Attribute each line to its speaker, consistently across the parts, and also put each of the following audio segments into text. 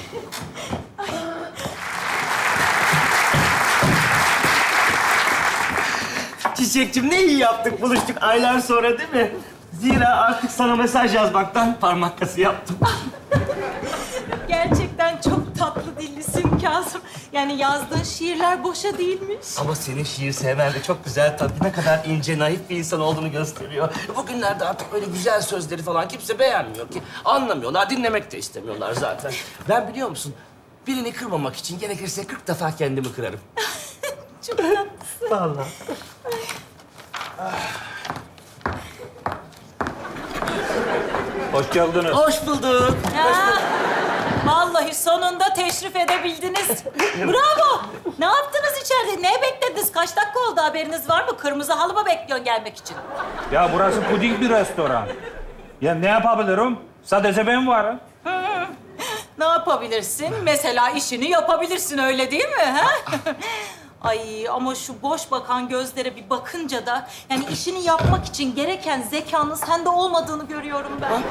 Speaker 1: Çiçekçim ne iyi yaptık, buluştuk aylar sonra değil mi? Zira artık sana mesaj yazmaktan parmak kası yaptım.
Speaker 2: Gerçekten çok tatlı dillisin Kazım. Yani yazdığın şiirler boşa değilmiş.
Speaker 1: Ama senin şiir sevmen de çok güzel tabii. Ne kadar ince, naif bir insan olduğunu gösteriyor. Bugünlerde artık öyle güzel sözleri falan kimse beğenmiyor ki. Anlamıyorlar, dinlemek de istemiyorlar zaten. Ben biliyor musun, birini kırmamak için gerekirse 40 defa kendimi kırarım.
Speaker 2: Çok tatlısın.
Speaker 1: Vallahi.
Speaker 3: Hoş geldiniz.
Speaker 1: Hoş bulduk.
Speaker 2: Ya, vallahi sonunda teşrif edebildiniz. Bravo. Ne yaptınız içeride? Ne beklediniz? Kaç dakika oldu, haberiniz var mı? Kırmızı halı mı bekliyorsun gelmek için?
Speaker 3: Ya burası puding bir restoran. Ya ne yapabilirim? Sadece ben varım.
Speaker 2: Ne yapabilirsin? Mesela işini yapabilirsin, öyle değil mi? Ha? Ay ama şu boş bakan gözlere bir bakınca da... yani işini yapmak için gereken zekanın sende olmadığını görüyorum ben.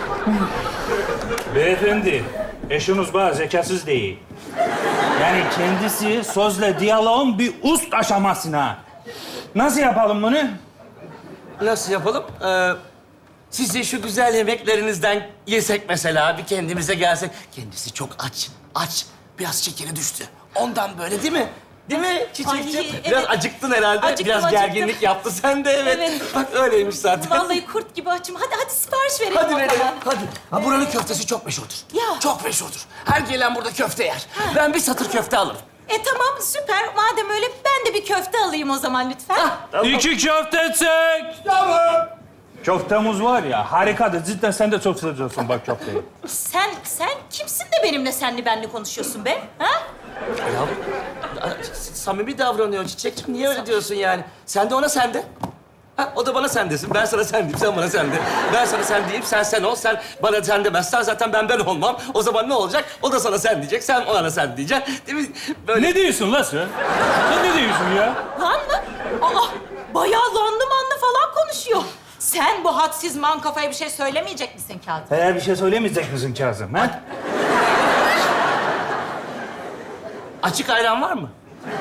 Speaker 3: Beyefendi, eşiniz bana zekasız değil. Yani kendisi sözle diyaloğun bir üst aşamasına. Nasıl yapalım bunu?
Speaker 1: Nasıl yapalım? Sizin şu güzel yemeklerinizden yesek mesela, bir kendimize gelsek. Kendisi çok aç, aç. Biraz şekeri düştü. Ondan böyle değil mi? Değil mi Çiçekciğim?
Speaker 2: Ay, evet.
Speaker 1: Biraz acıktın herhalde.
Speaker 2: Acıktım,
Speaker 1: Biraz
Speaker 2: acıktım.
Speaker 1: gerginlik yaptı sen de, evet.
Speaker 2: Evet.
Speaker 1: Bak öyleymiş zaten.
Speaker 2: Vallahi kurt gibi açım. Hadi sipariş verelim
Speaker 1: Hadi
Speaker 2: o
Speaker 1: verelim,
Speaker 2: zaman.
Speaker 1: hadi. Ha, buranın köftesi çok meşhurdur.
Speaker 2: Ya.
Speaker 1: Çok meşhurdur. Her gelen burada köfte yer. Ben bir satır köfte alırım.
Speaker 2: Tamam, süper. Madem öyle ben de bir köfte alayım o zaman lütfen.
Speaker 3: İki köfte çek.
Speaker 1: Tamam.
Speaker 3: Köftemiz var ya, harikadır. Cidden sen de çok seviyorsun bak köfteyi.
Speaker 2: Sen kimsin de benimle senli benli konuşuyorsun be? Ha?
Speaker 1: Ya, samimi davranıyor Çiçekciğim. Niye öyle diyorsun yani? Sen de ona sen de. Ha, o da bana sen desin. Ben sana sen diyeyim, sen bana sen de. Ben sana sen diyeyim, sen ol. Sen bana sen demezsen zaten ben olmam. O zaman ne olacak? O da sana sen diyecek, sen ona sen diyeceksin. Değil mi? Böyle...
Speaker 3: Ne diyorsun lan sen? Sen ne diyorsun ya?
Speaker 2: Lan mı? Aa, bayağı lanlı manlı falan konuşuyor. Sen bu hadsiz man kafaya bir şey söylemeyecek misin Kazım?
Speaker 3: Eğer bir şey söylemeyecek misin Kazım, ha?
Speaker 1: Açık ayran var mı?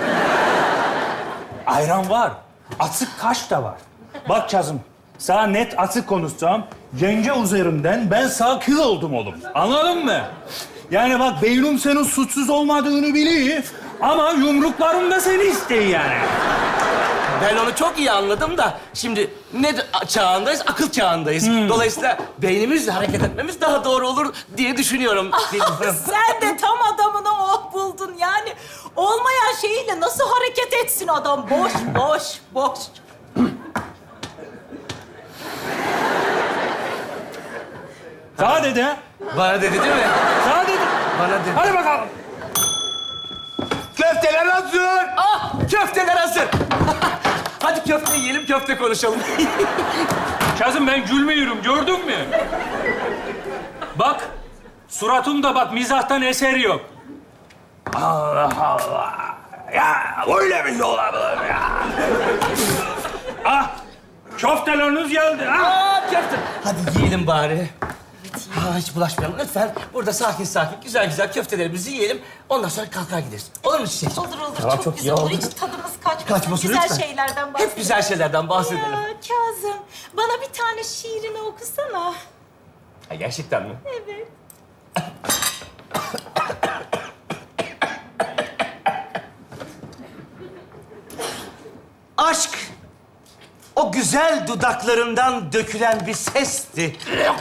Speaker 3: Ayran var. Açık kaş da var. Bak Kazım, sana net açık konuşacağım. Yenge üzerinden ben sana kıl oldum oğlum. Anladın mı? Yani bak beynim senin suçsuz olmadığını biliyor. Ama yumruklarım da seni istiyor yani.
Speaker 1: Ben onu çok iyi anladım da şimdi ne çağındayız? Akıl çağındayız. Dolayısıyla beynimizle hareket etmemiz daha doğru olur diye düşünüyorum.
Speaker 2: Sen de tam adamını buldun yani. Olmayan şeyiyle nasıl hareket etsin adam? Boş.
Speaker 3: Sana dedi ha?
Speaker 1: Bana dedi değil mi?
Speaker 3: Sana dedi.
Speaker 1: Bana dedi.
Speaker 3: Hadi bakalım.
Speaker 1: Köfteler hazır. Ah, köfteler hazır. Hadi köfte yiyelim, köfte konuşalım.
Speaker 3: Kazım ben gülmüyorum, gördün mü? Bak, suratımda bak mizahtan eser yok. Allah Allah. Ya öyle bir şey olabilir ya. Ah, köfteleriniz geldi ha.
Speaker 1: Aa, köfte. Hadi yiyelim bari. Ha, hiç bulaşmayalım lütfen. Burada sakin güzel köftelerimizi yiyelim. Ondan sonra kalkar gideriz. Olur mu Çiçek?
Speaker 2: Olur.
Speaker 1: Tamam,
Speaker 2: çok
Speaker 1: çok iyi
Speaker 2: güzel olur.
Speaker 1: oldu.
Speaker 2: Hiç tadımız kaçmasın.
Speaker 1: Kaçmasın
Speaker 2: güzel
Speaker 1: lütfen.
Speaker 2: şeylerden bahsedelim.
Speaker 1: Hep güzel şeylerden bahsedelim.
Speaker 2: Ya Kazım, bana bir tane şiirini okusana.
Speaker 1: Ha, gerçekten mi?
Speaker 2: Evet.
Speaker 1: Aşk, o güzel dudaklarından dökülen bir sesti.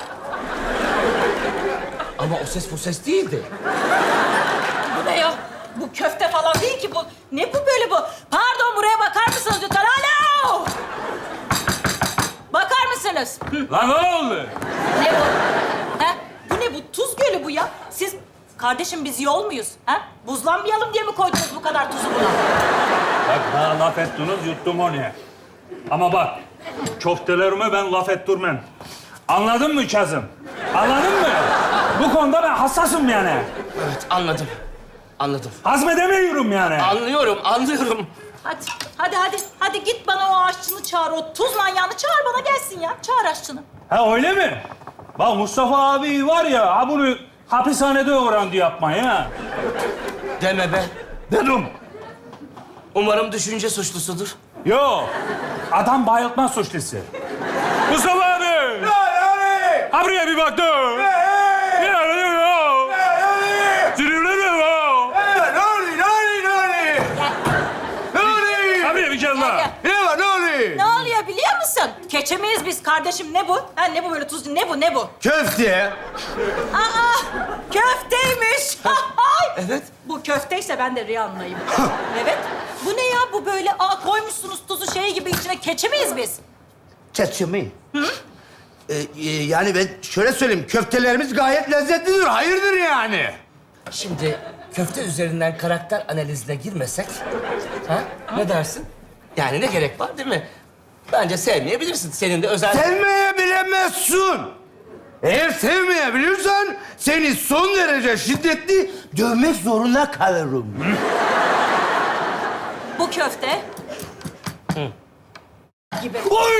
Speaker 1: Ama o ses bu ses değildi.
Speaker 2: Bu ne ya? Bu köfte falan değil ki bu. Ne bu böyle bu? Pardon, buraya bakar mısınız lütfen? Alo! Bakar mısınız?
Speaker 3: Lan ne oldu?
Speaker 2: Ne bu? Ha? Bu ne bu? Tuz gölü bu ya. Siz kardeşim biz yol muyuz? Ha? Buzlanmayalım diye mi koydunuz bu kadar tuzu buna?
Speaker 3: Bak bana laf ettiniz, yuttum onu. Ama bak, köftelerime ben laf ettirmem. Anladın mı Kazım? Anladın mı? Bu konuda ben hassasım yani.
Speaker 1: Evet, anladım. Anladım.
Speaker 3: Hazmedemiyorum yani.
Speaker 1: Anlıyorum.
Speaker 2: Hadi git bana o aşçını çağır. O tuz manyağını çağır, bana gelsin ya. Çağır aşçını.
Speaker 3: Ha öyle mi? Bak Mustafa abi var ya, ha bunu hapishanede öğrendi yapmayı ha.
Speaker 1: Deme be.
Speaker 3: Dedim.
Speaker 1: Umarım düşünce suçlusudur.
Speaker 3: Yo, adam bayıltma suçlusu. Mustafa abi! Ha buraya bir baktım. Abi bir kez daha.
Speaker 2: Ne oluyor biliyor musun? Keçemeyiz biz kardeşim. Ne bu? Ha, ne bu böyle tuzlu? Ne bu? Ne bu?
Speaker 4: Köfte.
Speaker 2: Aa, köfteymiş.
Speaker 1: Evet.
Speaker 2: Bu köfteyse ben de Rihanna'yım. Evet. Bu ne ya? Bu böyle koymuşsunuz tuzu şey gibi içine keçi miyiz biz?
Speaker 4: Çeçimi. Yani ben şöyle söyleyeyim, köftelerimiz gayet lezzetlidir, hayırdır yani.
Speaker 1: Şimdi köfte üzerinden karakter analizine girmesek, ha? Ne dersin? Yani ne gerek var değil mi? Bence sevmeyebilirsin. Senin de özel...
Speaker 4: Sevmeye bilemezsin. Eğer sevmeyebilirsen seni son derece şiddetli dövmek zorunda kalırım.
Speaker 2: Bu köfte. Gibi.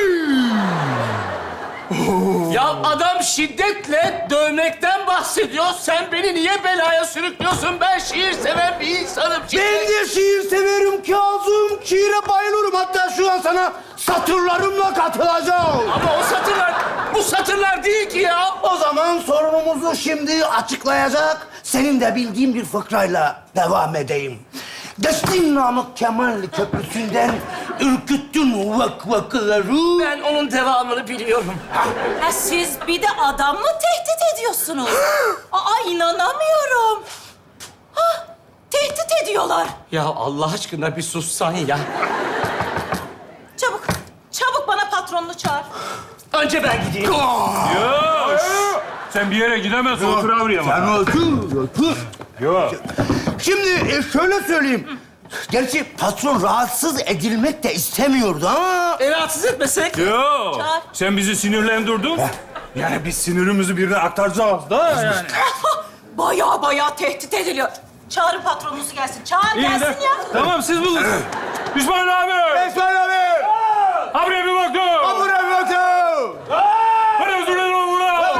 Speaker 1: Ya adam şiddetle dövmekten bahsediyor. Sen beni niye belaya sürüklüyorsun? Ben şiir seven bir insanım.
Speaker 4: Ben de şiir severim Kazım. Şiire bayılırım. Hatta şu an sana satırlarımla katılacağım.
Speaker 1: Ama o satırlar, bu satırlar değil ki ya.
Speaker 4: O zaman sorunumuzu şimdi açıklayacak, senin de bildiğin bir fıkrayla devam edeyim. Geçtin Namık Kemal Köprüsü'nden ürküttün vakları.
Speaker 1: Ben onun devamını biliyorum.
Speaker 2: Ha, siz bir de adam mı tehdit ediyorsunuz? İnanamıyorum. Ha, tehdit ediyorlar.
Speaker 1: Ya Allah aşkına bir sussan ya.
Speaker 2: Çabuk, çabuk bana patronunu çağır.
Speaker 1: Önce ben gideyim.
Speaker 3: Yo, sen bir yere gidemezsin. Otur abi ya.
Speaker 4: Sen otur.
Speaker 3: Yo.
Speaker 4: Şimdi şöyle söyleyeyim. Gerçi patron rahatsız edilmek de istemiyordu ama...
Speaker 1: Rahatsız etmesek.
Speaker 3: Yo.
Speaker 2: Çağır.
Speaker 3: Sen bizi sinirlendirdin. Yani biz sinirimizi birine aktaracağız da yani.
Speaker 2: Baya tehdit ediliyor. Çağırın patronunuzu gelsin. Çağır
Speaker 3: İyi
Speaker 2: gelsin
Speaker 3: de.
Speaker 2: ya.
Speaker 3: Tamam siz bulun. İsmail abi.
Speaker 4: İsmail abi!
Speaker 3: Ha buraya bir baktım.
Speaker 4: Buraya bir bakın!
Speaker 3: Hadi özür dilerim ulan.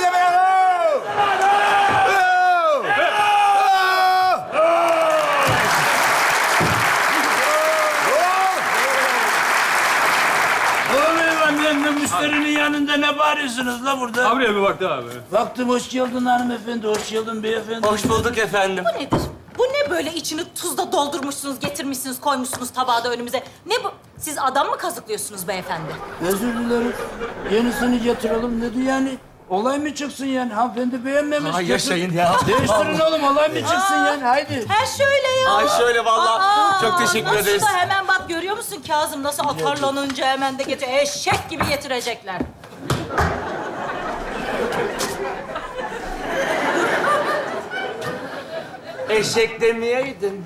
Speaker 5: Oğlum müşterinin yanında ne bağırıyorsunuz la burada?
Speaker 3: Ha buraya bir baktı abi.
Speaker 5: Baktım hoş geldin hanımefendi, hoş geldin beyefendi.
Speaker 1: Hoş bulduk efendim.
Speaker 2: Bu nedir? Bu ne böyle içini tuzla doldurmuşsunuz, getirmişsiniz, koymuşsunuz tabağı da önümüze? Ne bu? Siz adam mı kazıklıyorsunuz beyefendi?
Speaker 5: Özür dilerim. Yenisini getirelim dedi yani. Olay mı çıksın yani? Hanımefendi beğenmemiş.
Speaker 1: Ay
Speaker 5: Getir.
Speaker 1: yaşayın ya.
Speaker 5: Değiştirin oğlum, olay mı çıksın yani? Haydi.
Speaker 2: Ha şöyle ya.
Speaker 1: Ay şöyle vallahi. Çok teşekkür
Speaker 2: nasıl
Speaker 1: ederiz.
Speaker 2: da hemen bak görüyor musun Kazım nasıl atarlanınca hemen de getir. Eşek gibi getirecekler.
Speaker 1: Eşek demeyeydin.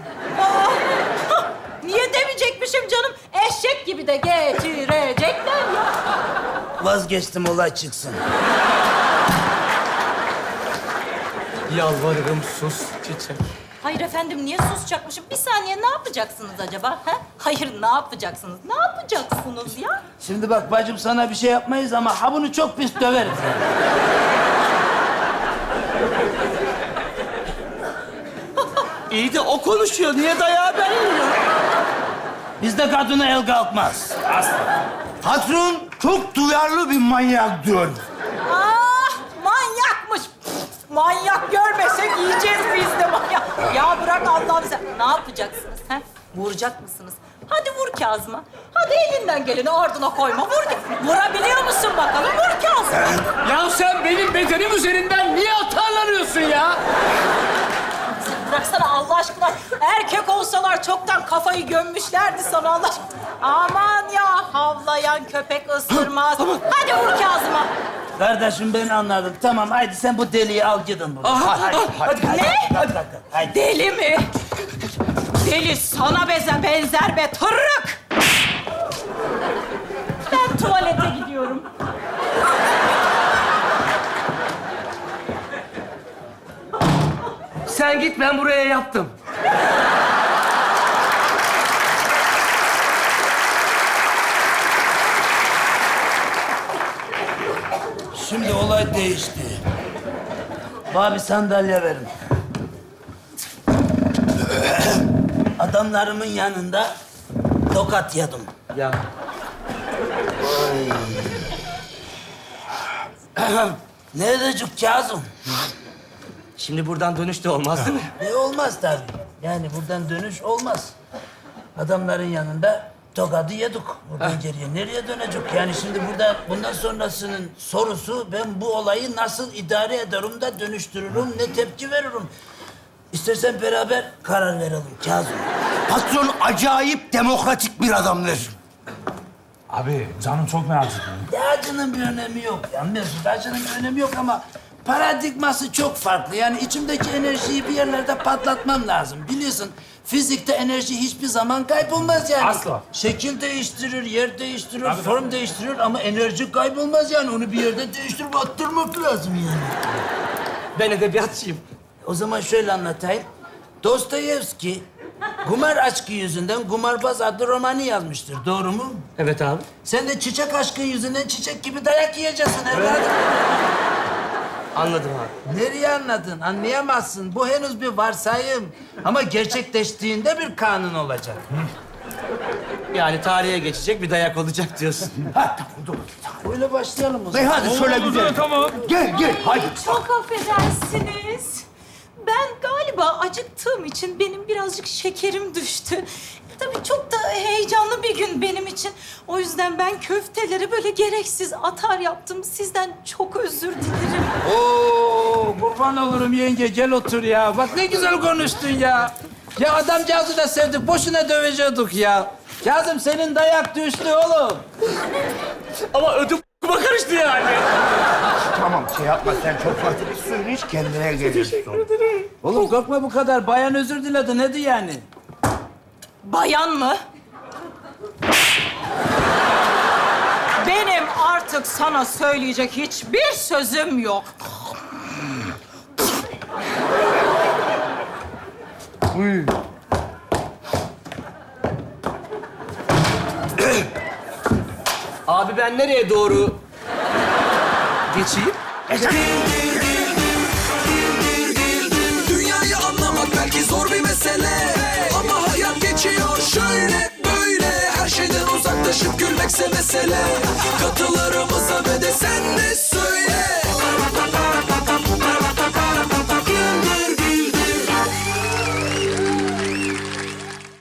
Speaker 2: Niye demeyecekmişim canım? Eşek gibi de getirecekler ya.
Speaker 5: Vazgeçtim, olay çıksın.
Speaker 1: Yalvarırım sus çiçek.
Speaker 2: Hayır efendim niye susacakmışım? Bir saniye ne yapacaksınız acaba? Ha? Hayır ne yapacaksınız? Ne yapacaksınız ya?
Speaker 5: Şimdi bak bacım, sana bir şey yapmayız ama ha bunu çok pis döveriz.
Speaker 1: İyi de o konuşuyor. Niye dayağı ben yiyorum?
Speaker 5: Bizde kadına el kalkmaz.
Speaker 4: Patron çok duyarlı bir manyaktır.
Speaker 2: Manyakmış. Manyak görmesek yiyeceğiz biz de manyak. Ya bırak Allah'ım sen. Ne yapacaksınız? Ha? Vuracak mısınız? Hadi vur Kazım'a. Hadi elinden geleni ardına koyma. Vur. Vurabiliyor musun bakalım? Vur Kazım'a.
Speaker 1: Ya sen benim bedenim üzerinden niye atarlanıyorsun ya?
Speaker 2: Bıraksana Allah aşkına. Erkek olsalar çoktan kafayı gömmüşlerdi sana Allah aşkına. Aman ya havlayan köpek ısırmaz. Hadi vur Kazım'a.
Speaker 5: Kardeşim ben anladım. Tamam haydi sen bu deliği al gidin buradan.
Speaker 2: Ne?
Speaker 5: Haydi.
Speaker 2: Deli mi? Deli sana benzer be tırrık. Ben tuvalete gidiyorum.
Speaker 1: Sen git ben buraya yaptım.
Speaker 5: Şimdi olay değişti. Bana bir sandalye verin. Adamlarımın yanında tokat yedim.
Speaker 1: Ya
Speaker 5: Ne edecek Kazım?
Speaker 1: şimdi buradan dönüş de olmaz değil mi?
Speaker 5: Olmaz tabii. Yani buradan dönüş olmaz. Adamların yanında tokadı yedik. Buradan geriye nereye dönecek? Yani şimdi burada bundan sonrasının sorusu ben bu olayı nasıl idare ederim da dönüştürürüm, ne tepki veririm? İstersen beraber karar verelim Kazım.
Speaker 4: Patron acayip demokratik bir adamdır.
Speaker 3: Abi canım çok merak ettim.
Speaker 5: Ya acının bir önemi yok. Ya Mesut, acının bir önemi yok ama paradigması çok farklı. Yani içimdeki enerjiyi bir yerlerde patlatmam lazım. Biliyorsun fizikte enerji hiçbir zaman kaybolmaz yani.
Speaker 3: Asla.
Speaker 5: Şekil değiştirir, yer değiştirir, form değiştirir ama enerji kaybolmaz yani. Onu bir yerde değiştirip attırmak lazım yani.
Speaker 1: Ben edebiyatçıyım.
Speaker 5: O zaman şöyle anlatayım. Dostoyevski kumar aşkı yüzünden Kumarbaz adlı romanı yazmıştır. Doğru mu?
Speaker 1: Evet abi.
Speaker 5: Sen de çiçek aşkı yüzünden çiçek gibi dayak yiyeceksin evladım.
Speaker 1: Anladım abi.
Speaker 5: Nereye anladın? Anlayamazsın. Bu henüz bir varsayım. Ama gerçekleştiğinde bir kanun olacak.
Speaker 1: Yani tarihe geçecek bir dayak olacak diyorsun.
Speaker 4: Ha, tamam, dur.
Speaker 5: Öyle başlayalım o zaman.
Speaker 4: Hadi şöyle güzel.
Speaker 3: Tamam.
Speaker 4: Gel, hadi.
Speaker 2: Çok affedersiniz. Ben galiba acıktığım için benim birazcık şekerim düştü. Tabii çok da heyecanlı bir gün benim için. O yüzden ben köfteleri böyle gereksiz atar yaptım. Sizden çok özür dilerim.
Speaker 5: Oo, kurban olurum yenge. Gel otur ya. Bak ne güzel konuştun ya. Ya adamcağızı da sevdik. Boşuna dövecektik ya. Kazım senin dayak düştü oğlum.
Speaker 1: Ama ödüm kuma karıştı yani.
Speaker 4: Tamam, şey yapma sen çok fazla bir suyunu iç, kendine gelirsin.
Speaker 5: Oğlum korkma bu kadar. Bayan özür diledi. Nedir yani?
Speaker 2: Bayan mı? Benim artık sana söyleyecek hiçbir sözüm yok.
Speaker 1: Abi ben nereye doğru geçeyim?
Speaker 6: Dünyayı anlamak belki zor bir mesele, ama hayat geçiyor şöyle böyle. Her şeyden uzaklaşıp gülmekse mesele. Katılarımıza ve de sen